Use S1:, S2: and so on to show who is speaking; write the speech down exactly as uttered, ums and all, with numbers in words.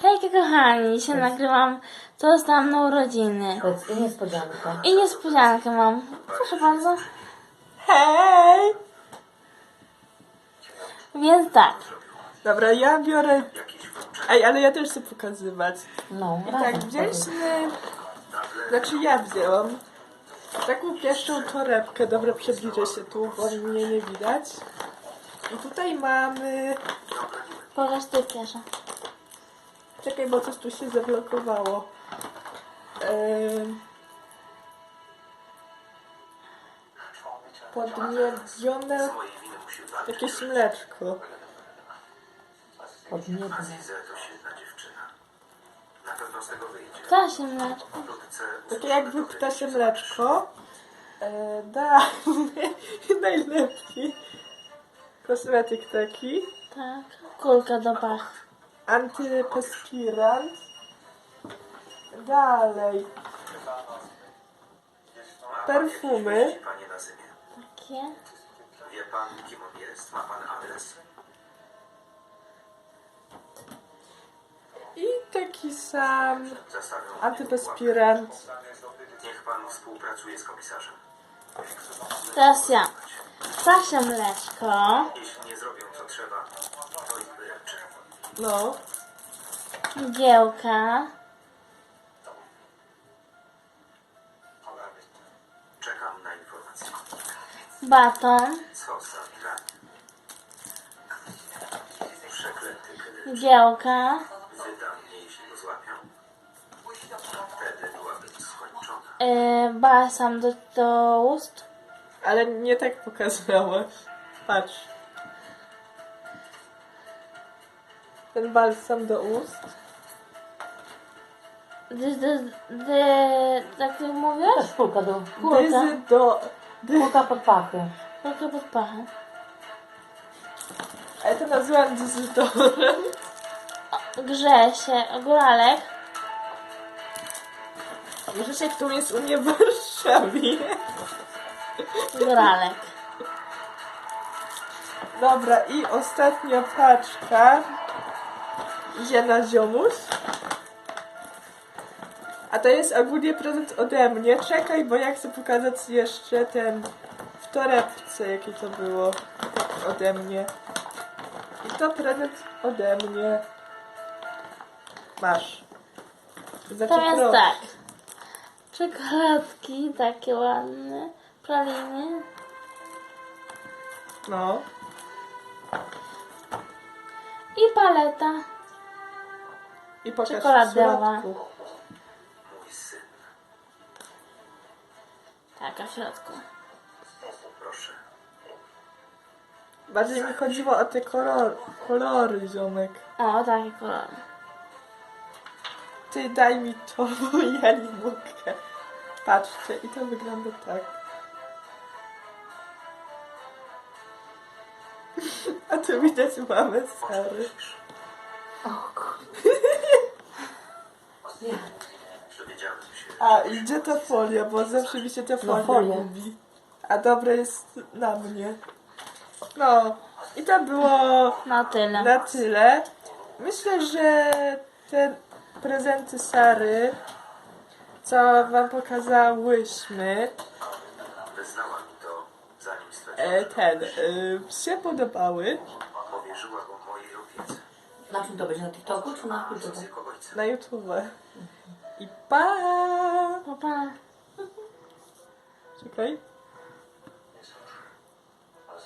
S1: Hejka kochani, dzisiaj nagrywam, co dostałam na urodziny.
S2: Powiedz, i niespodzianka.
S1: I niespodziankę mam. Proszę bardzo.
S3: Hej!
S1: Więc tak.
S3: Dobra, ja biorę... Ej, ale ja też chcę pokazywać.
S2: No,
S3: I
S2: razem
S3: tak,
S2: powiedz.
S3: wzięliśmy... Znaczy ja wzięłam taką pierwszą torebkę. Dobra, przybliżę się tu, bo mnie nie widać. I tutaj mamy...
S1: Pokaż ty pierwsza.
S3: Czekaj, bo coś tu się zablokowało. Ehm... Podmiedzione jakieś mleczko.
S2: Pod niebem.
S1: Ptasie mleczko.
S3: Takie jakby ptasie mleczko. E, da, najlepiej. Kosmetyk taki.
S1: Tak. Kulka do pach.
S3: Antyperspirant. Dalej. Perfumy.
S1: Takie.
S4: Wie pan, kim on jest? Ma pan adres?
S3: I taki sam
S4: Zastawią
S3: antyperspirant.
S4: Niech pan współpracuje z komisarzem.
S1: Teraz ja. Ptasie mleczko.
S4: Jeśli nie zrobią co trzeba, to ich wyręczę.
S3: No.
S1: Mgiełka.
S4: Czekam na informację.
S1: Baton.
S4: Co za granie. Przeklęty kiedy
S1: Mgiełka.
S4: wydam mnie, jeśli go złapią. Wtedy byłaby skończona.
S1: Yy, balsam do, do ust.
S3: Ale nie tak pokazałaś. Patrz. Ten balsam do ust.
S1: Dy, dy, dy, tak ty mówisz?
S2: Też kulka do...
S1: Kulka.
S3: Dyzy do... Dy...
S2: Kulka pod pachy.
S1: Kulka pod pachem.
S3: A ja to nazywam dyzytorem.
S1: Grze się. Góralek.
S3: Może się tu jest u mnie w Warszawie.
S1: Góralek.
S3: Dobra, i ostatnia paczka idzie na ziomuś. A to jest ogólnie prezent ode mnie. Czekaj, bo ja chcę pokazać jeszcze ten w torebce, jakie to było ode mnie. I to prezent ode mnie. Masz. Znaczy,
S1: Teraz
S3: proszę.
S1: tak. Czekoladki takie ładne. Praliny.
S3: No.
S1: I paleta.
S3: I pokaż w
S1: Czekoladowa.
S3: środku.
S4: Mój syn,
S1: Taka w środku.
S4: proszę.
S3: Bardziej mi chodziło o te kolory, kolory ziomek.
S1: O, takie kolory.
S3: Ty daj mi to, bo ja nie mogę. Patrzcie, i to wygląda tak. A tu widać mamy Sary.
S2: Nie.
S4: Dowiedziałem się,
S3: A, i gdzie ta folia, bo zawsze mi się ta folia
S2: folia.
S3: gubi. A dobre jest na mnie. No, i to było
S1: No tyle.
S3: na tyle. Myślę, że te prezenty Sary, co wam pokazałyśmy,
S4: wyznała mi to, zanim straciła.
S3: e, ten, e, się podobały.
S4: Powierzyła go mojej opiece.
S2: Na czym to będzie? Na TikToku czy na
S4: Z
S2: YouTube?
S4: jego ojca.
S3: Na YouTube. I pa!
S1: Pa, pa.
S3: Czekaj.